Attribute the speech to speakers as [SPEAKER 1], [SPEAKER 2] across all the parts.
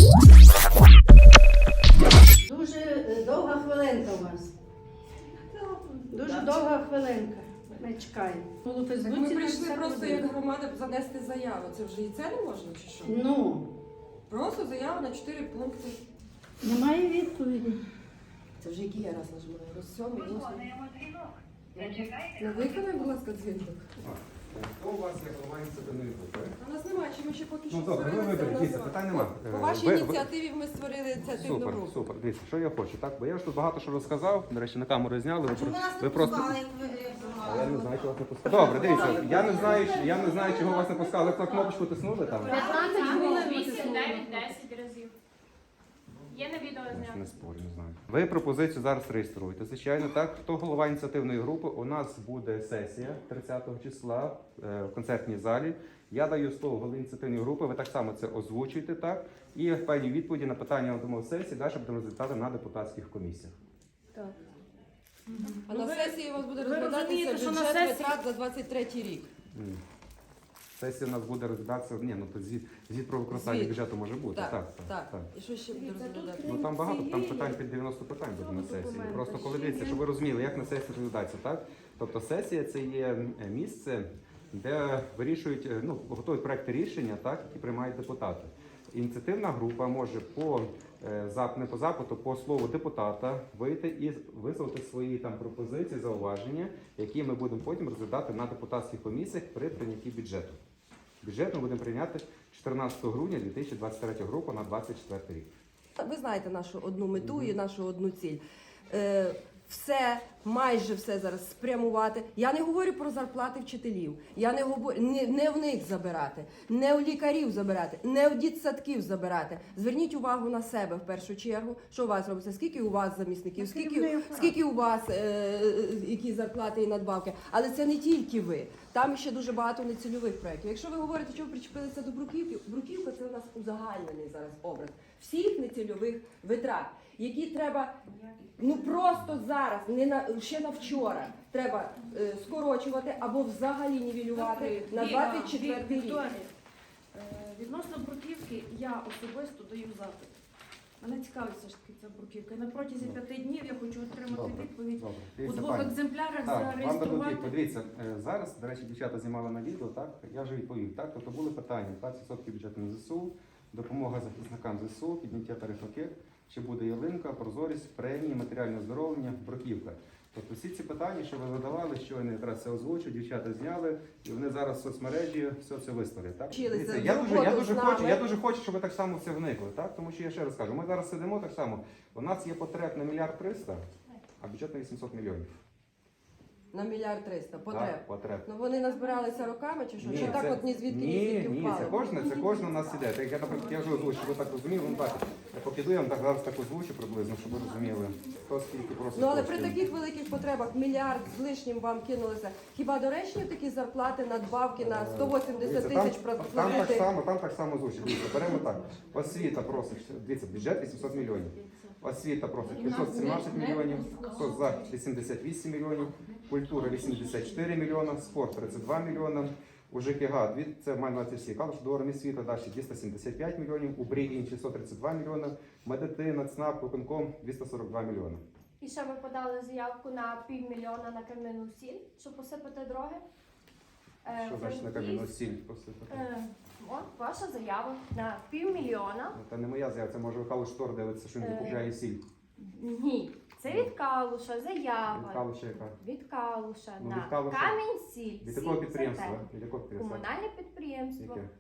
[SPEAKER 1] Дуже довга хвилинка у вас. Дуже довга хвилинка. Ми чекаємо.
[SPEAKER 2] Так ми прийшли просто як громада занести заяву. Це вже і це не можна чи що?
[SPEAKER 1] Ну,
[SPEAKER 2] Просто заява на 4 пункти.
[SPEAKER 1] немає відповіді.
[SPEAKER 2] Це вже який я раз нажимаю? Роз 7, 8. Ну виконай, будь ласка, дзвінок.
[SPEAKER 3] Хто у вас є голова ініціативної групи?
[SPEAKER 2] У нас немає, чи ми ще поки що
[SPEAKER 3] Ну добре, ви
[SPEAKER 2] створили це
[SPEAKER 3] виберіть, дивіться,
[SPEAKER 2] назвати.
[SPEAKER 3] питань нема.
[SPEAKER 2] По вашій
[SPEAKER 3] Ви-
[SPEAKER 2] ініціативі ми створили ініціативну
[SPEAKER 3] Супер,
[SPEAKER 2] групу.
[SPEAKER 3] супер. Дивіться, що я хочу, так? Бо я ж тут багато що розказав, до речі, на камеру зняли. Ви просто... А я не знаю, чого вас не пускали. Добре, дивіться, я не знаю, чого вас не пускали. Ви кнопочку тиснули там?
[SPEAKER 4] 15 хвилин 8, 9, 10 разів. Є на відео
[SPEAKER 3] Я ж
[SPEAKER 4] знято.
[SPEAKER 3] не спорю, не знаю. Ви пропозицію зараз реєструєте. Звичайно, так. Хто голова ініціативної групи? У нас буде сесія 30 числа в концертній залі. Я даю слово голові ініціативної групи, ви так само це озвучуєте, так? І певні відповіді на питання на сесії далі будемо розглядати на депутатських комісіях.
[SPEAKER 1] Так.
[SPEAKER 2] А на сесії у вас буде
[SPEAKER 1] ви
[SPEAKER 2] розглядатися
[SPEAKER 1] розумієте, що на
[SPEAKER 2] бюджет
[SPEAKER 1] сесії-
[SPEAKER 2] витрат за 23 рік.
[SPEAKER 3] Ні. Сесія у нас буде розглядатися, ну то звіт про використання
[SPEAKER 2] Звіт.
[SPEAKER 3] бюджету може бути.
[SPEAKER 2] Так. І що ще буде розглядати?
[SPEAKER 3] Ну там багато, там питань під 90 питань буде на сесії.
[SPEAKER 1] Документи
[SPEAKER 3] Просто коли
[SPEAKER 1] ще
[SPEAKER 3] дивіться,
[SPEAKER 1] є.
[SPEAKER 3] щоб ви розуміли, як на сесії розглядається, так? Тобто сесія це є місце, де вирішують, готують проекти рішення, так, які приймають депутати. Ініціативна група може не по запиту, по слову депутата вийти і висловити свої там пропозиції, зауваження, які ми будемо потім розглядати на депутатських комісіях при прийнятті бюджету. Бюджет ми будемо прийняти 14 грудня 2023 року на 2024 рік.
[SPEAKER 2] Ви знаєте нашу одну мету і нашу одну ціль. Все, майже все зараз спрямувати. Я не говорю про зарплати вчителів. Я не говорю не в них забирати, не у лікарів забирати, не у дитсадків забирати. Зверніть увагу на себе в першу чергу, що у вас робиться, скільки у вас замісників, скільки у вас які зарплати і надбавки. Але це не тільки ви. Там ще дуже багато нецільових проєктів. Якщо ви говорите, що ви причепилися до Бруківки, Бруківка це у нас узагальнений зараз образ всіх нецільових витрат, які треба просто зараз, ще на вчора, треба скорочувати або взагалі нівелювати на 24 рік.
[SPEAKER 1] Вікторія, відносно Бруківки я особисто даю запит. Мене цікавить все ж таки ця Бруківка. І на протязі 5 днів я хочу отримати відповідь. У
[SPEAKER 3] Дивіться,
[SPEAKER 1] 2
[SPEAKER 3] пані.
[SPEAKER 1] екземплярах
[SPEAKER 3] Так, вам дадуть
[SPEAKER 1] зареєструвати.
[SPEAKER 3] відповідь. Дивіться, зараз, до речі, дівчата знімали на відео, так? Я вже відповів, так? Тобто були питання, 20% бюджету на ЗСУ, допомога захисникам ЗСУ, підняття тарифів, чи буде ялинка, прозорість, премії, матеріальне оздоровлення, бруківка. Тобто всі ці питання, що ви задавали, щойно якраз це озвучу, дівчата зняли, і вони зараз в соцмережі все це виставлять. Так?
[SPEAKER 2] Вчилися
[SPEAKER 3] Дивіться,
[SPEAKER 2] з
[SPEAKER 3] я
[SPEAKER 2] роботу
[SPEAKER 3] дуже хочу, щоб ви так само в це вникли, так? Тому що я ще раз кажу, ми зараз сидимо так само, у нас є потреб на 1 мільярд 300, а бюджет на 800 мільйонів.
[SPEAKER 2] На 1 мільярд 300 потреб.
[SPEAKER 3] Так, потреб.
[SPEAKER 2] Ну вони назбиралися роками чи що? Чи так
[SPEAKER 3] це-
[SPEAKER 2] от ні звідки ні звідки
[SPEAKER 3] ні,
[SPEAKER 2] впали?
[SPEAKER 3] це кожна у нас іде. Так, я, наприклад, я вже озвучу, щоб ви так розуміли, ну так, я покиду, я вам так зараз так озвучу приблизно, щоб ви розуміли, хто скільки просить
[SPEAKER 2] Ну але при
[SPEAKER 3] коштів.
[SPEAKER 2] таких великих потребах мільярд з лишнім вам кинулося. Хіба доречні такі зарплати, надбавки на 180 тисяч платити?
[SPEAKER 3] Там так само озвучить. Дивіться, беремо так. Освіта просить, дивіться, бюджет 800 мільйонів. Освіта просить 517 мільйонів, соцзахист 88 мільйонів, культура 84 мільйона, спорт 32 мільйона, у ЖКГ, це має на всі калуш до органів світу, далі 275 мільйонів, у БРІ інші 132 мільйона, медицина, ЦНАП, виконком 242 мільйона.
[SPEAKER 4] І ще ми подали заявку на 500 000 на кам'яну сіль, щоб посипати дороги.
[SPEAKER 3] Що значить на кам'яну сіль посипати?
[SPEAKER 4] От ваша заява на 500 000.
[SPEAKER 3] Це не моя заява, це може Калуш Штор дивиться, що він закупляє сіль.
[SPEAKER 4] Ні, це від Калуша
[SPEAKER 3] Від
[SPEAKER 4] заява.
[SPEAKER 3] Калуша яка?
[SPEAKER 4] Від Калуша
[SPEAKER 3] Ну,
[SPEAKER 4] на
[SPEAKER 3] від Калуша.
[SPEAKER 4] Камінь-Сіль.
[SPEAKER 3] Від якого
[SPEAKER 4] Сіль це
[SPEAKER 3] підприємства?
[SPEAKER 4] те.
[SPEAKER 3] Від якого підприємства?
[SPEAKER 4] Комунальне підприємство.
[SPEAKER 3] Яке?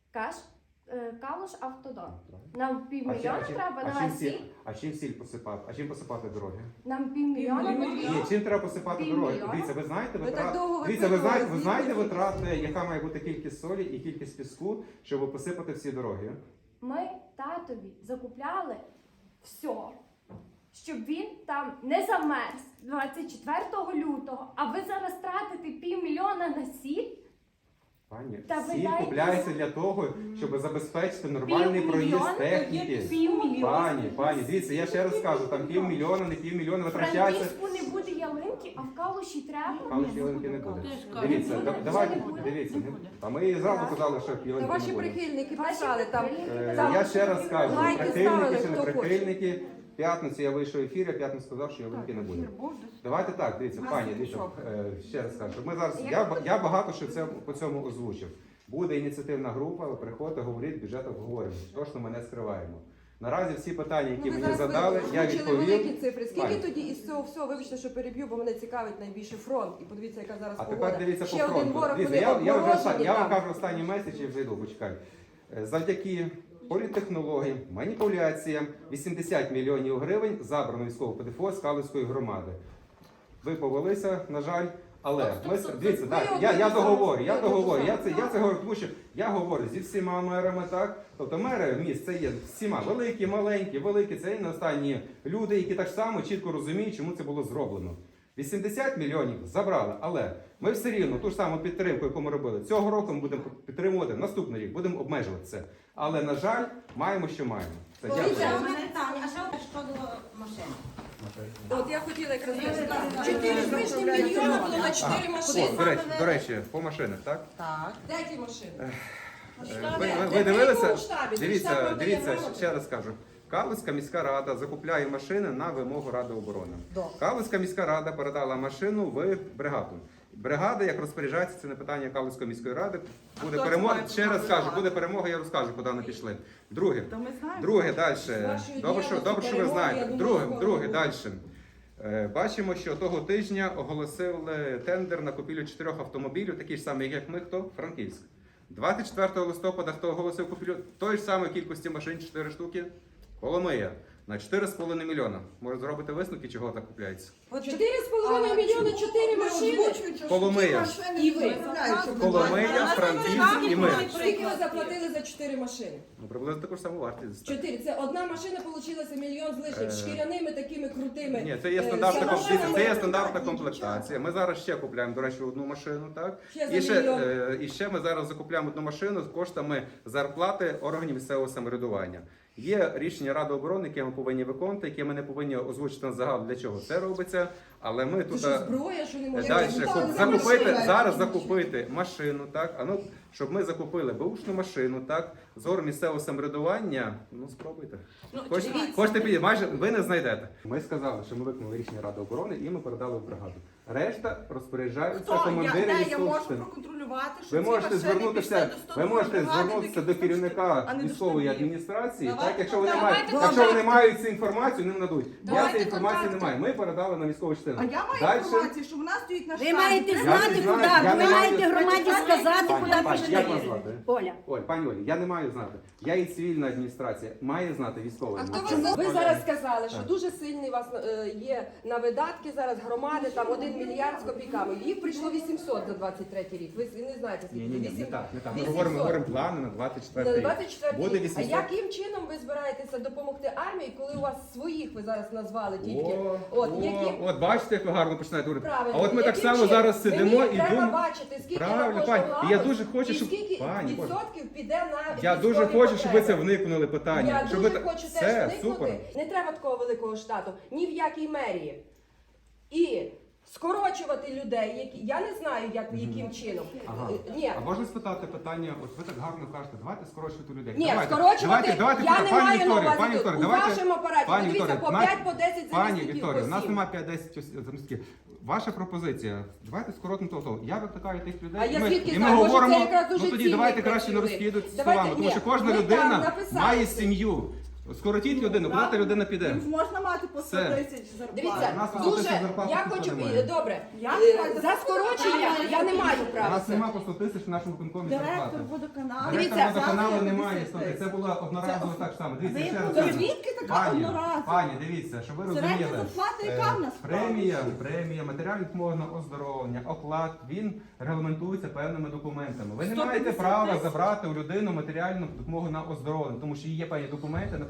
[SPEAKER 4] Калуш Автодор.
[SPEAKER 3] Правильно.
[SPEAKER 4] Нам 500 000 треба на сіль.
[SPEAKER 3] А чим сіль посипати? А чим посипати дороги?
[SPEAKER 4] Нам 500 000
[SPEAKER 3] Ні,
[SPEAKER 4] потрібно.
[SPEAKER 3] чим треба посипати дороги?
[SPEAKER 4] Півмільйона?
[SPEAKER 3] Дивіться, ви знаєте
[SPEAKER 2] Ви так довго
[SPEAKER 3] Дивіться, ви
[SPEAKER 2] випитували,
[SPEAKER 3] знаєте
[SPEAKER 2] звідки?
[SPEAKER 3] витрати, яка має бути кількість солі і кількість піску, щоб посипати всі дороги?
[SPEAKER 4] Ми татові закупляли все, щоб він там не замерз 24 лютого, а ви зараз тратите 500 000 на сіль?
[SPEAKER 3] Пані,
[SPEAKER 4] Та ви
[SPEAKER 3] всі
[SPEAKER 4] дайте
[SPEAKER 3] купляються для того, щоб забезпечити нормальний проїзд техніки. Пані, дивіться, я ще раз кажу, там півмільйона, не півмільйона
[SPEAKER 4] В
[SPEAKER 3] витрачається.
[SPEAKER 4] Франківську не буде ялинки, а в Калуші треба.
[SPEAKER 3] Але ж ялинки не буде.
[SPEAKER 1] Теж
[SPEAKER 3] Дивіться,
[SPEAKER 4] кажуть,
[SPEAKER 3] давайте,
[SPEAKER 4] не буде.
[SPEAKER 3] дивіться. А ми зразу казали, що
[SPEAKER 2] Та
[SPEAKER 3] ялинки
[SPEAKER 2] ваші
[SPEAKER 3] не буде.
[SPEAKER 2] прихильники писали там.
[SPEAKER 3] Я ще раз кажу,
[SPEAKER 2] лайки
[SPEAKER 3] прихильники
[SPEAKER 2] ставили,
[SPEAKER 3] чи не
[SPEAKER 2] хто хоче.
[SPEAKER 3] прихильники. В п'ятницю я вийшов в ефір, я в п'ятницю сказав, що ялинки не буде. Давайте так, дивіться, пані, дивіться, ще раз кажу. Ми зараз, я багато що це по цьому озвучив. Буде ініціативна група, ви приходите, говоріть, бюджет обговоримо. Точно ми не скриваємо. Наразі всі питання, які мені задали, я
[SPEAKER 2] озвучили великі
[SPEAKER 3] відповів.
[SPEAKER 2] цифри. Скільки
[SPEAKER 3] Пані.
[SPEAKER 2] тоді із цього всього, вибачте, що переб'ю, бо мене цікавить найбільше фронт. І подивіться, яка зараз
[SPEAKER 3] А
[SPEAKER 2] погода.
[SPEAKER 3] тепер дивіться по
[SPEAKER 2] Ще один
[SPEAKER 3] фронту.
[SPEAKER 2] ворог,
[SPEAKER 3] Дивіться,
[SPEAKER 2] вони
[SPEAKER 3] я вам
[SPEAKER 2] обморожені там.
[SPEAKER 3] кажу останній меседж і вже йду, почекай. Завдяки політтехнологіям, маніпуляціям 80 мільйонів гривень забрано військового ПДФО з Калицької громади. Ви повелися, на жаль. Але ми дивіться, так, я договорю, я це говорю, тому що я говорю зі всіма мерами, так. Тобто мери міст це є всіма великі, маленькі, великі, це є не останні люди, які так само чітко розуміють, чому це було зроблено. 80 мільйонів забрали, але ми все рівно ту ж саму підтримку, яку ми робили цього року, ми будемо підтримувати наступний рік, будемо обмежувати це. Але, на жаль, маємо, що маємо. Це
[SPEAKER 2] Дивіться,
[SPEAKER 3] дякую.
[SPEAKER 5] У мене питання, а що шкодило машину?
[SPEAKER 2] От я хотіла якраз сказати. 4 з лишнім мільйона було на 4 машини.
[SPEAKER 3] До речі, по машинах, так?
[SPEAKER 5] Так.
[SPEAKER 2] Де ті машини?
[SPEAKER 3] Ви дивилися?
[SPEAKER 2] В штабі,
[SPEAKER 3] Дивіться,
[SPEAKER 2] дивіться,
[SPEAKER 3] ще раз кажу. Калицька міська рада закупляє машини на вимогу Ради оборони. Калицька міська рада передала машину в бригаду. Бригада, як розпоряджається, це не питання Калицької міської ради. Буде перемога. Ще раз кажу, буде перемога, я розкажу, куди вони пішли. Друге, далі. Добре, що ви знаєте. Друге, далі. Бачимо, що того тижня оголосили тендер на купівлю 4 автомобілів, такі ж самі, як ми, хто? Франківськ. 24 листопада хто оголосив купівлю тої ж самої кількості машин, 4 штуки? Коломия. На 4,5 мільйона. Може зробити висновки, чого так купляється?
[SPEAKER 2] 4,5 мільйона 4 машини.
[SPEAKER 3] Коломия.
[SPEAKER 2] І ви.
[SPEAKER 3] Коломия, Франківськ і ми.
[SPEAKER 2] Скільки ви заплатили за 4 машини?
[SPEAKER 3] Ну, приблизно таку ж саму вартість.
[SPEAKER 2] 4. Це одна машина получилася мільйон з лишнім, шкіряними такими крутими.
[SPEAKER 3] Ні, це є стандартна стандартна комплектація. Ми зараз ще купуємо, до речі, одну машину, так?
[SPEAKER 2] Ще за мільйон.
[SPEAKER 3] І ще ми зараз закупляємо одну машину з коштами зарплати органів місцевого самоврядування. Є рішення Ради оборони, яке ми повинні виконувати, яке ми не повинні озвучити на загал, для чого це робиться. Але ми
[SPEAKER 2] Це
[SPEAKER 3] тут
[SPEAKER 2] що, зброя, що не можна
[SPEAKER 3] далі
[SPEAKER 2] закупити?
[SPEAKER 3] закупити машину, так? А ну, щоб ми закупили беушну машину, так? З органів місцевого самоврядування, ну спробуйте. Хочете підійти, майже ви не знайдете. Ми сказали, що ми виконали рішення Ради оборони і ми передали в бригаду. Решта розпоряджаються командири військових частин. Ви можете звернутися, до керівника військової адміністрації, так, якщо вони мають цю інформацію, не надуть. Я цієї інформації не маю. Ми передали на військову частину.
[SPEAKER 6] А я маю
[SPEAKER 3] Дальше-
[SPEAKER 6] інформацію, що вона стоїть на
[SPEAKER 5] Ви
[SPEAKER 6] штабі.
[SPEAKER 5] маєте
[SPEAKER 3] Я
[SPEAKER 5] знати,
[SPEAKER 3] не
[SPEAKER 5] куди.
[SPEAKER 3] знаю, я
[SPEAKER 5] Ви
[SPEAKER 3] не
[SPEAKER 5] маєте
[SPEAKER 3] маю-
[SPEAKER 5] громаді сказати,
[SPEAKER 3] Пані,
[SPEAKER 5] куди
[SPEAKER 3] як вас
[SPEAKER 5] пішли.
[SPEAKER 3] звати?
[SPEAKER 5] Оля.
[SPEAKER 3] Оль, пані Олі, я не маю знати. Я і цивільна адміністрація має знати військова
[SPEAKER 2] А хто
[SPEAKER 3] адміністрація.
[SPEAKER 2] ви зараз сказали, що дуже сильний у вас є на видатки зараз громади, там 1 мільярд з копійками. Їх прийшло 800 за 23 рік. Ви не знаєте, скільки?
[SPEAKER 3] Ні, не
[SPEAKER 2] 800.
[SPEAKER 3] так. Ми
[SPEAKER 2] 800.
[SPEAKER 3] говоримо плани на 24
[SPEAKER 2] На
[SPEAKER 3] рік.
[SPEAKER 2] 24
[SPEAKER 3] Буде
[SPEAKER 2] рік. А
[SPEAKER 3] 800.
[SPEAKER 2] яким чином ви збираєтеся допомогти армії, коли у вас своїх ви зараз назвали тільки?
[SPEAKER 3] От бачите, як ви гарно починаєте говорити.
[SPEAKER 2] Правильно.
[SPEAKER 3] А от ми так
[SPEAKER 2] Яким
[SPEAKER 3] само
[SPEAKER 2] чином?
[SPEAKER 3] зараз сидимо
[SPEAKER 2] Мені
[SPEAKER 3] і
[SPEAKER 2] треба
[SPEAKER 3] думаємо.
[SPEAKER 2] бачити, скільки
[SPEAKER 3] Правильно,
[SPEAKER 2] на кожну
[SPEAKER 3] пані. І я
[SPEAKER 2] галузь,
[SPEAKER 3] дуже хочу,
[SPEAKER 2] і
[SPEAKER 3] щоб-
[SPEAKER 2] скільки
[SPEAKER 3] Пані, Боже.
[SPEAKER 2] відсотків піде на
[SPEAKER 3] Я дуже
[SPEAKER 2] військові
[SPEAKER 3] хочу, щоб ви це
[SPEAKER 2] потреби.
[SPEAKER 3] вникнули питання.
[SPEAKER 2] Я
[SPEAKER 3] Щоб
[SPEAKER 2] дуже
[SPEAKER 3] ви
[SPEAKER 2] хочу
[SPEAKER 3] Все,
[SPEAKER 2] теж вникнути.
[SPEAKER 3] супер.
[SPEAKER 2] Не треба такого великого штату, ні в якій мерії. І скорочувати людей, які я не знаю, яким чином.
[SPEAKER 3] Ага.
[SPEAKER 2] Ні.
[SPEAKER 3] А можна спитати питання, от ви так гарно кажете, давайте скорочувати людей.
[SPEAKER 2] Ні,
[SPEAKER 3] Давайте,
[SPEAKER 2] скорочувати
[SPEAKER 3] давайте,
[SPEAKER 2] я не
[SPEAKER 3] пані
[SPEAKER 2] маю на
[SPEAKER 3] Вікторія,
[SPEAKER 2] увазі
[SPEAKER 3] пані
[SPEAKER 2] тут.
[SPEAKER 3] Вікторія,
[SPEAKER 2] У
[SPEAKER 3] давайте-
[SPEAKER 2] вашому апараті,
[SPEAKER 3] Пані
[SPEAKER 2] подивіться,
[SPEAKER 3] Вікторія,
[SPEAKER 2] по 5, по 10
[SPEAKER 3] Пані
[SPEAKER 2] замісників
[SPEAKER 3] Вікторія, у нас
[SPEAKER 2] посів.
[SPEAKER 3] немає 5-10 замістків. Ваша пропозиція, давайте скоротимо того. Я викликаю тих людей.
[SPEAKER 2] А я
[SPEAKER 3] і ми,
[SPEAKER 2] звідки
[SPEAKER 3] і ми
[SPEAKER 2] знаю? Може,
[SPEAKER 3] говоримо,
[SPEAKER 2] це якраз дуже
[SPEAKER 3] ну тоді
[SPEAKER 2] цінний
[SPEAKER 3] давайте краще не
[SPEAKER 2] працівник.
[SPEAKER 3] розкидати
[SPEAKER 2] Давайте,
[SPEAKER 3] словами, тому
[SPEAKER 2] ні,
[SPEAKER 3] що кожна
[SPEAKER 2] ви там
[SPEAKER 3] людина
[SPEAKER 2] написали
[SPEAKER 3] має
[SPEAKER 2] це.
[SPEAKER 3] сім'ю. Скоротіть людину, куди та людина піде?
[SPEAKER 6] Їм можна мати по 100
[SPEAKER 3] Все.
[SPEAKER 6] тисяч зарплати.
[SPEAKER 2] Дивіться,
[SPEAKER 3] У нас
[SPEAKER 2] дуже
[SPEAKER 3] тисяч зарплат
[SPEAKER 2] я
[SPEAKER 3] ніхто
[SPEAKER 2] хочу
[SPEAKER 3] не має.
[SPEAKER 2] добре.
[SPEAKER 6] Я
[SPEAKER 2] За скорочення я не маю
[SPEAKER 3] У
[SPEAKER 2] права.
[SPEAKER 3] нас немає по 100 тисяч в нашому виконкомі зарплати.
[SPEAKER 6] Директор водоканалу.
[SPEAKER 2] Дивіться,
[SPEAKER 3] Директор водоканалу
[SPEAKER 6] завтра
[SPEAKER 3] немає
[SPEAKER 6] 50
[SPEAKER 3] слухайте, це була одноразово так само. Дивіться, ще раз
[SPEAKER 6] То
[SPEAKER 3] кажу.
[SPEAKER 6] звідки така
[SPEAKER 3] Пані,
[SPEAKER 6] одноразова?
[SPEAKER 3] пані, дивіться, щоб ви
[SPEAKER 6] Середня
[SPEAKER 3] розуміли.
[SPEAKER 6] зарплата яка в нас?
[SPEAKER 3] Премія, матеріальна допомога на оздоровлення, оклад, він регламентується певними документами. Ви не маєте права забрати у людину матеріальну допомогу на оздоровлення, тому що є певні документи, наприклад,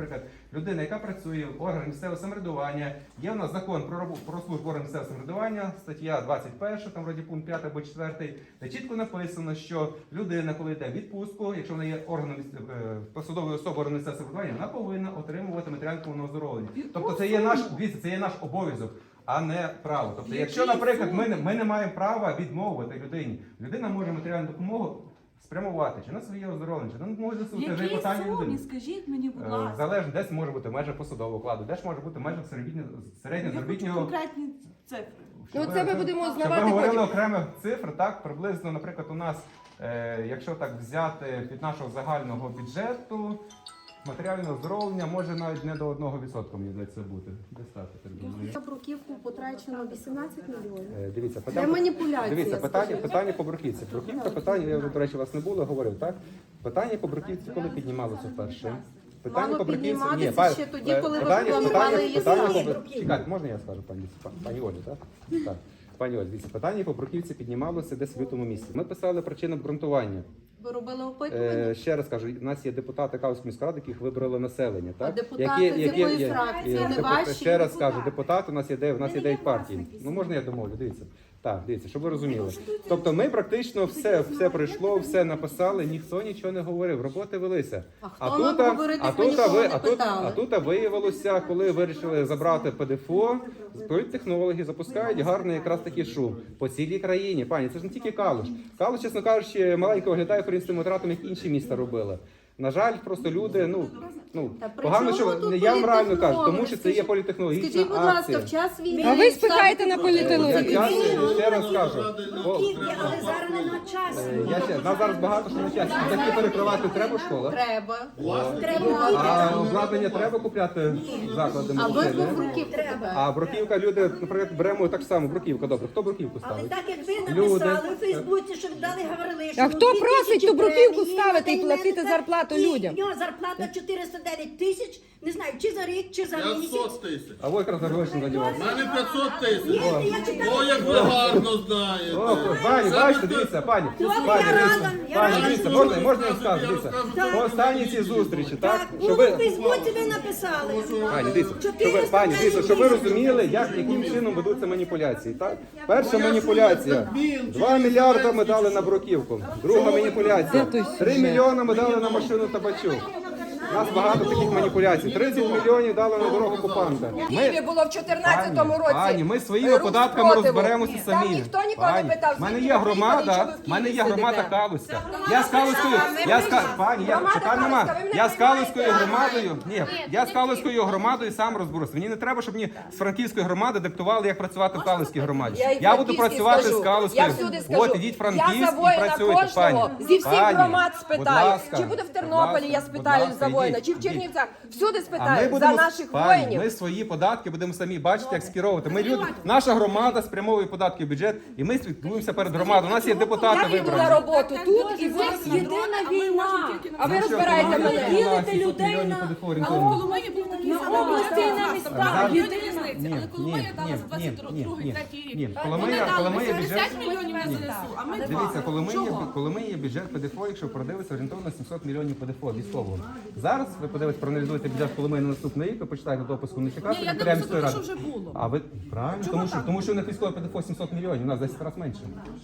[SPEAKER 3] наприклад, людина, яка працює в органах місцевого самоврядування, є в нас закон про службу органів місцевого самоврядування, стаття 21, там вроді пункт 5 або 4, де чітко написано, що людина, коли йде в відпустку, якщо вона є органом посадовою особою органів місцевого самоврядування, вона повинна отримувати матеріально оздоровлення. Тобто це є наш обов'язок, а не право. Тобто, якщо, наприклад, ми не маємо права відмовити людині, людина може матеріальну допомогу спрямувати чи на своє оздоровлення, чи на допомогу ЗСУ. Це вже
[SPEAKER 6] Які
[SPEAKER 3] питання
[SPEAKER 6] сумі,
[SPEAKER 3] людини.
[SPEAKER 6] скажіть мені, будь ласка.
[SPEAKER 3] Залежно, десь може бути межа посадового окладу, десь може бути межа середнього
[SPEAKER 6] Я хочу
[SPEAKER 3] заробітного.
[SPEAKER 6] конкретні цифри.
[SPEAKER 2] Ну, це ми будемо
[SPEAKER 3] Щоб
[SPEAKER 2] знавати
[SPEAKER 3] ви говорили
[SPEAKER 2] потім.
[SPEAKER 3] окремих цифр, так, приблизно, наприклад, у нас, якщо так взяти від нашого загального бюджету, матеріальне оздоровлення може навіть не до 1%, мені здається, бути. Десь так, я так думаю.
[SPEAKER 7] На бруківку потрачено 18 мільйонів.
[SPEAKER 3] Дивіться,
[SPEAKER 7] Це маніпуляція.
[SPEAKER 3] Дивіться,
[SPEAKER 7] скажімо.
[SPEAKER 3] питання по бруківці. Бруківка, питання, я, до речі, вас не було, говорив, так? Питання по бруківці коли піднімалося вперше?
[SPEAKER 7] Мало підніматися ще тоді, коли ви планували її самі.
[SPEAKER 3] Чекайте, можна я скажу, пані Олі, так? Так. Пані Олі, дивіться, питання по бруківці піднімалося десь в лютому місяці. Ми писали причину обґрунтування.
[SPEAKER 7] Ви робили опитування?
[SPEAKER 3] Ще раз кажу, у нас є депутати Калуської міської ради, яких вибрали населення.
[SPEAKER 7] А
[SPEAKER 3] Так?
[SPEAKER 7] депутати з якої фракції? Не ваші?
[SPEAKER 3] Ще раз кажу, депутати, у нас є 9 партій. Ну можна я домовлю, дивіться. Так, дивіться, щоб ви розуміли. Тобто ми практично все пройшло, все написали, ніхто нічого не говорив, роботи велися.
[SPEAKER 7] А хто нам говорити, ми нікого не питали?
[SPEAKER 3] А тут виявилося, коли вирішили забрати ПДФО, політтехнологи запускають гарний якраз такий шум по цілій країні. Пані, це ж не тільки Калуш. Калуш, чесно кажучи, маленько виглядає українським витратом, як інші міста робили. На жаль, просто люди,
[SPEAKER 7] Та при
[SPEAKER 3] погано,
[SPEAKER 7] чому
[SPEAKER 3] що
[SPEAKER 7] тут
[SPEAKER 3] я вам реально кажу,
[SPEAKER 7] політтехнологи?
[SPEAKER 3] тому що це є політехнологічна
[SPEAKER 7] Скажіть, будь
[SPEAKER 3] акція.
[SPEAKER 7] ласка, в час війни...
[SPEAKER 2] А ви спихаєте на
[SPEAKER 3] Я
[SPEAKER 2] політологію.
[SPEAKER 3] ще раз кажу.
[SPEAKER 5] Але зараз не на часі.
[SPEAKER 3] Нас зараз багато що на часі. Такі перекривати треба школа?
[SPEAKER 7] Треба.
[SPEAKER 3] А обладнання треба купляти заклади
[SPEAKER 7] А ви
[SPEAKER 3] медицини?
[SPEAKER 7] в бруківку тебе.
[SPEAKER 3] А бруківка, люди, наприклад, беремо так само бруківка. Добре, хто бруківку
[SPEAKER 5] Але
[SPEAKER 3] ставить?
[SPEAKER 5] так як ви
[SPEAKER 3] Люди.
[SPEAKER 5] написали у Фейсбуці, що дали говорили, що
[SPEAKER 2] А хто просить ту бруківку
[SPEAKER 5] премії,
[SPEAKER 2] ставити і
[SPEAKER 5] на
[SPEAKER 2] платити
[SPEAKER 5] мене,
[SPEAKER 2] зарплату
[SPEAKER 5] і
[SPEAKER 2] людям?
[SPEAKER 5] в нього зарплата 409 тисяч, не знаю, чи за рік, чи за місяць.
[SPEAKER 8] 500 тисяч.
[SPEAKER 3] А ви якраз гроші
[SPEAKER 8] У
[SPEAKER 3] задіваєте.
[SPEAKER 8] мене 500 тисяч.
[SPEAKER 5] Ні, я читала.
[SPEAKER 8] О, як ви гарно знаєте.
[SPEAKER 3] О, пані, бачите, дивіться, пані,
[SPEAKER 5] Добре,
[SPEAKER 3] пані,
[SPEAKER 5] я
[SPEAKER 3] дивіться,
[SPEAKER 5] рада, я
[SPEAKER 3] пані,
[SPEAKER 5] рада,
[SPEAKER 3] дивіться,
[SPEAKER 5] що
[SPEAKER 3] можна я скажу, дивіться, по останній цій зустрічі, так,
[SPEAKER 5] Так,
[SPEAKER 3] що
[SPEAKER 5] було
[SPEAKER 3] ви,
[SPEAKER 5] в Фейсбуці ви написали.
[SPEAKER 3] пані, дивіться, пані, дивіться, щоб ви розуміли, яким чином ведуться маніпуляції, так? Перша маніпуляція, 2 мільярди ми дали на бруківку, друга маніпуляція, 3 мільйони ми дали на машину табачу. У нас багато таких маніпуляцій. 30 мільйонів дали на дорогу окупанта.
[SPEAKER 2] В Києві було в 14-му році.
[SPEAKER 3] Пані, ми своїми
[SPEAKER 2] рух
[SPEAKER 3] податками
[SPEAKER 2] спротиву.
[SPEAKER 3] розберемося
[SPEAKER 2] Там
[SPEAKER 3] самі.
[SPEAKER 2] ніхто нікого не питав,
[SPEAKER 3] в мене
[SPEAKER 2] звідки
[SPEAKER 3] є
[SPEAKER 2] ви приїхали,
[SPEAKER 3] громада,
[SPEAKER 2] що ви в
[SPEAKER 3] в мене є
[SPEAKER 2] Києві
[SPEAKER 3] громада
[SPEAKER 2] сидите.
[SPEAKER 3] Калуська. Я з Калуською, пані,
[SPEAKER 2] Громада
[SPEAKER 3] питань
[SPEAKER 2] Калуська,
[SPEAKER 3] нема.
[SPEAKER 2] ви мене
[SPEAKER 3] Я з Калуською
[SPEAKER 2] приймаєте?
[SPEAKER 3] громадою, я з Калуською громадою сам розберуся. Мені не треба, щоб мені з Франківської громади диктували, як працювати в Калуській громаді.
[SPEAKER 2] Я і
[SPEAKER 3] Я буду
[SPEAKER 2] Франківській
[SPEAKER 3] працювати
[SPEAKER 2] скажу.
[SPEAKER 3] з Калуською.
[SPEAKER 2] Я всюди скажу.
[SPEAKER 3] От, ідіть в Франківськ
[SPEAKER 2] Я за
[SPEAKER 3] і
[SPEAKER 2] воїна
[SPEAKER 3] працюйте, пані.
[SPEAKER 2] кожного, зі всіх
[SPEAKER 3] Пані,
[SPEAKER 2] громад
[SPEAKER 3] будь
[SPEAKER 2] спитаю.
[SPEAKER 3] ласка,
[SPEAKER 2] Чи буде в
[SPEAKER 3] будь
[SPEAKER 2] Тернополі,
[SPEAKER 3] ласка,
[SPEAKER 2] я
[SPEAKER 3] будь
[SPEAKER 2] спитаю
[SPEAKER 3] ласка,
[SPEAKER 2] за воїна,
[SPEAKER 3] ідіть,
[SPEAKER 2] чи в
[SPEAKER 3] ідіть.
[SPEAKER 2] Чернівцях. Всюди
[SPEAKER 3] А ми
[SPEAKER 2] спитаю, за
[SPEAKER 3] будемо,
[SPEAKER 2] наших
[SPEAKER 3] пані,
[SPEAKER 2] воїнів.
[SPEAKER 3] ми свої податки будемо самі бачити, як скеровувати. Наша громада спрямовує податки в бюджет, і ми слідкуємося перед громадою. У нас є депутати
[SPEAKER 2] Я піду на
[SPEAKER 3] вибрані.
[SPEAKER 2] роботу тут і ви
[SPEAKER 1] Єдина війна.
[SPEAKER 2] А ви розбираєте мене.
[SPEAKER 1] Ділите людей на
[SPEAKER 9] Коломиї був такий
[SPEAKER 1] на
[SPEAKER 9] самий
[SPEAKER 1] області і на
[SPEAKER 9] зараз.
[SPEAKER 1] містах.
[SPEAKER 9] Є
[SPEAKER 1] Єдина.
[SPEAKER 9] різниця, але Коломия дала за 22-й рік.
[SPEAKER 3] Ні,
[SPEAKER 9] Вони дали
[SPEAKER 3] Коломия
[SPEAKER 9] 50
[SPEAKER 3] бюджет.
[SPEAKER 9] мільйонів на ЗСУ, а ми 2.
[SPEAKER 3] Дивіться,
[SPEAKER 9] Чого?
[SPEAKER 3] Коломия бюджет ПДФО, якщо продивитися, орієнтовно 700 мільйонів ПДФО військового. Зараз ви подивитесь, проаналізуєте бюджет Коломиї на наступний рік, ви почитаєте допуску не чекати.
[SPEAKER 9] Ні, я
[SPEAKER 3] секретаря
[SPEAKER 9] дивлюся,
[SPEAKER 3] міської
[SPEAKER 9] тому що
[SPEAKER 3] ради.
[SPEAKER 9] вже було.
[SPEAKER 3] А ви правильно, тому що у них військове ПДФО 700 мільйонів, у нас 10 разів менше.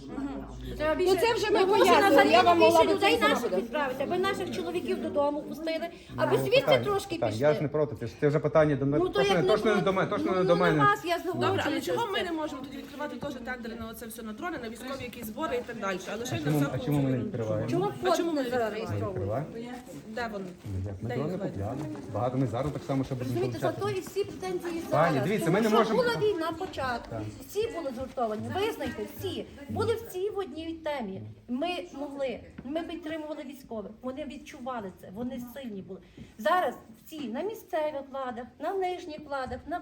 [SPEAKER 2] Ну це вже ми
[SPEAKER 5] Можна
[SPEAKER 2] пояснили, я вам могла
[SPEAKER 5] більше
[SPEAKER 2] би
[SPEAKER 5] людей
[SPEAKER 2] це
[SPEAKER 5] наших
[SPEAKER 2] зробити.
[SPEAKER 5] відправити, аби наших чоловіків додому пустили, аби звідси трошки
[SPEAKER 3] Так,
[SPEAKER 5] пішли.
[SPEAKER 3] я ж не проти, це вже питання до мене.
[SPEAKER 5] Ну, то як не
[SPEAKER 3] Точно не
[SPEAKER 5] проти.
[SPEAKER 3] до мене, точно не
[SPEAKER 5] Ну,
[SPEAKER 3] до
[SPEAKER 5] на
[SPEAKER 3] мене.
[SPEAKER 5] вас я
[SPEAKER 9] Добре, але
[SPEAKER 5] зговорюю.
[SPEAKER 9] чого ми не можемо тоді відкривати теж тендери на оце все на дрони, на військові якісь збори і так далі? А лише на
[SPEAKER 3] А
[SPEAKER 9] всяку...
[SPEAKER 3] чому ми не відкриваємо?
[SPEAKER 5] Чому
[SPEAKER 9] А чому
[SPEAKER 5] фонд
[SPEAKER 9] ми
[SPEAKER 5] не
[SPEAKER 9] не
[SPEAKER 5] зареєстрований?
[SPEAKER 3] Відкриваємо.
[SPEAKER 9] Де вони?
[SPEAKER 3] Як ми
[SPEAKER 9] Де
[SPEAKER 3] дрони
[SPEAKER 9] їх звати?
[SPEAKER 3] купляли. Багато ми зараз так само, що будемо
[SPEAKER 5] Розумієте,
[SPEAKER 3] получати.
[SPEAKER 5] зато і всі претензії
[SPEAKER 3] Пані,
[SPEAKER 5] зараз.
[SPEAKER 3] дивіться,
[SPEAKER 5] Тому
[SPEAKER 3] ми не
[SPEAKER 5] що
[SPEAKER 3] можемо-
[SPEAKER 5] була війна початку. Всі були згуртовані. Визнайте, всі. Були всі в одній темі. Ми підтримували військових. Вони відчували це, вони сильні були. Зараз всі на місцевих владах, на нижніх владах, на кожному рівні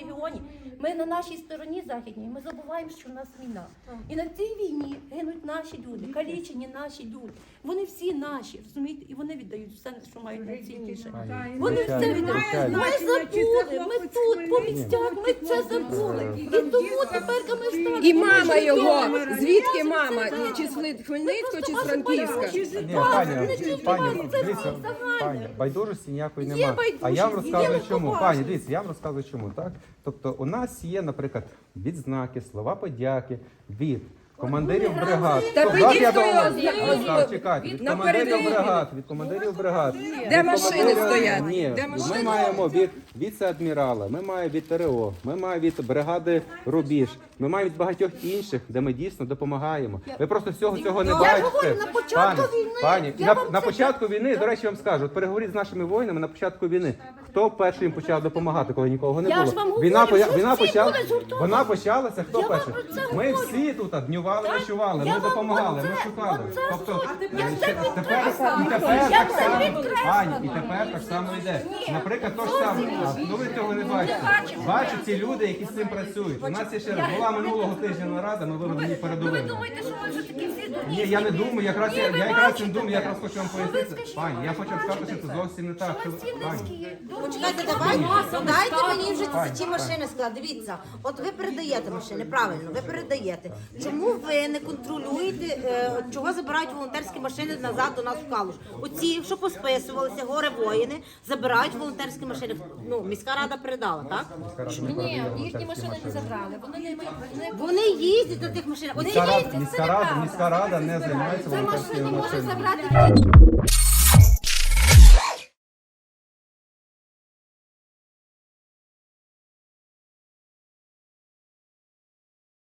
[SPEAKER 5] регіоні. Ми на нашій стороні західній, ми забуваємо, що в нас війна. І на цій війні гинуть наші люди, калічені наші люди. Вони всі наші, розумієте? І вони віддають все, що мають найцінніше. Вони все віддають. Ми забули, ми тут, по місцях, ми це забули. І тому тепер ми стали.
[SPEAKER 2] І мама його, звідки мама? Чи з Хмельницького, чи з Франківська?
[SPEAKER 3] Ні, пані, дивіться, пані, байдужості ніякої немає. А я вам розказую чому. Пані, дивіться, я вам розказую чому, так? Тобто у нас є, наприклад, відзнаки, слова подяки від командирів бригад.
[SPEAKER 2] Та
[SPEAKER 3] Тобто,
[SPEAKER 2] підіть
[SPEAKER 3] я
[SPEAKER 2] до
[SPEAKER 3] вам-
[SPEAKER 2] його,
[SPEAKER 3] чекайте, від
[SPEAKER 2] на
[SPEAKER 3] командирів
[SPEAKER 2] передовій.
[SPEAKER 3] бригад, від командирів бригад.
[SPEAKER 2] Де
[SPEAKER 3] від
[SPEAKER 2] машини
[SPEAKER 3] командирів-
[SPEAKER 2] стоять?
[SPEAKER 3] Ні,
[SPEAKER 2] Де машини?
[SPEAKER 3] ми маємо від віце-адмірала, ми маємо від ТРО, ми маємо від бригади Рубіж, ми маємо від багатьох інших, де ми дійсно допомагаємо. Ви просто всього цього не бачите.
[SPEAKER 5] говорю, на початку війни.
[SPEAKER 3] Пані,
[SPEAKER 5] Я вам
[SPEAKER 3] на
[SPEAKER 5] це
[SPEAKER 3] початку війни, до речі, вам скажу, от переговоріть з нашими воїнами на початку війни. Хто перший їм почав допомагати, коли нікого не
[SPEAKER 5] Я
[SPEAKER 3] було?
[SPEAKER 5] ж вам говорю,
[SPEAKER 3] Війна
[SPEAKER 5] що всі були згуртовані.
[SPEAKER 3] вона почалася. Хто
[SPEAKER 5] Я вам
[SPEAKER 3] перший?
[SPEAKER 5] про це
[SPEAKER 3] Ми
[SPEAKER 5] говорю.
[SPEAKER 3] всі тут днювали, ночували,
[SPEAKER 5] Я
[SPEAKER 3] ми
[SPEAKER 5] вам
[SPEAKER 3] допомагали,
[SPEAKER 5] оце-
[SPEAKER 3] ми шукали.
[SPEAKER 5] оце
[SPEAKER 3] Тобто
[SPEAKER 5] я це
[SPEAKER 3] тепер
[SPEAKER 5] підкреслила.
[SPEAKER 3] так
[SPEAKER 5] Я це
[SPEAKER 3] само,
[SPEAKER 5] підкреслила.
[SPEAKER 3] пані, і тепер так само йде. Наприклад, то ж саме, ну ви цього не бачите. Бачать ці люди, які з цим працюють. У нас є ще раз була минулого тижня нарада, ми вивели її
[SPEAKER 5] Ви
[SPEAKER 3] передовими.
[SPEAKER 5] думаєте, що ми вже такі всі дурні?
[SPEAKER 3] Ні, я не думаю, якраз
[SPEAKER 5] Ні,
[SPEAKER 3] я
[SPEAKER 5] ви
[SPEAKER 3] якраз не
[SPEAKER 5] бачите.
[SPEAKER 3] думаю, я якраз хочу вам
[SPEAKER 5] Що ви
[SPEAKER 3] пояснити.
[SPEAKER 5] скажіть?
[SPEAKER 3] Пані, я хочу вам сказати, що це
[SPEAKER 5] Бачите?
[SPEAKER 3] зовсім не так.
[SPEAKER 5] Що ми всі
[SPEAKER 3] Пані.
[SPEAKER 5] низькі, дурні.
[SPEAKER 7] Почекайте, дайте мені вже ці машини сказати. Дивіться, от ви передаєте машини, правильно, ви передаєте. Чому ви не контролюєте, чого забирають волонтерські машини назад до нас в Калуш? Оці, що посписувалися, горе воїни, забирають волонтерські машини. Ну, міська рада передала, так?
[SPEAKER 5] Ні, їхні машини не забрали.
[SPEAKER 7] Вони їздять на тих машинах. Вони їздять.
[SPEAKER 3] Міська рада не займається
[SPEAKER 5] Це
[SPEAKER 3] волонтерськими
[SPEAKER 5] машини може
[SPEAKER 3] машинами.
[SPEAKER 5] забрати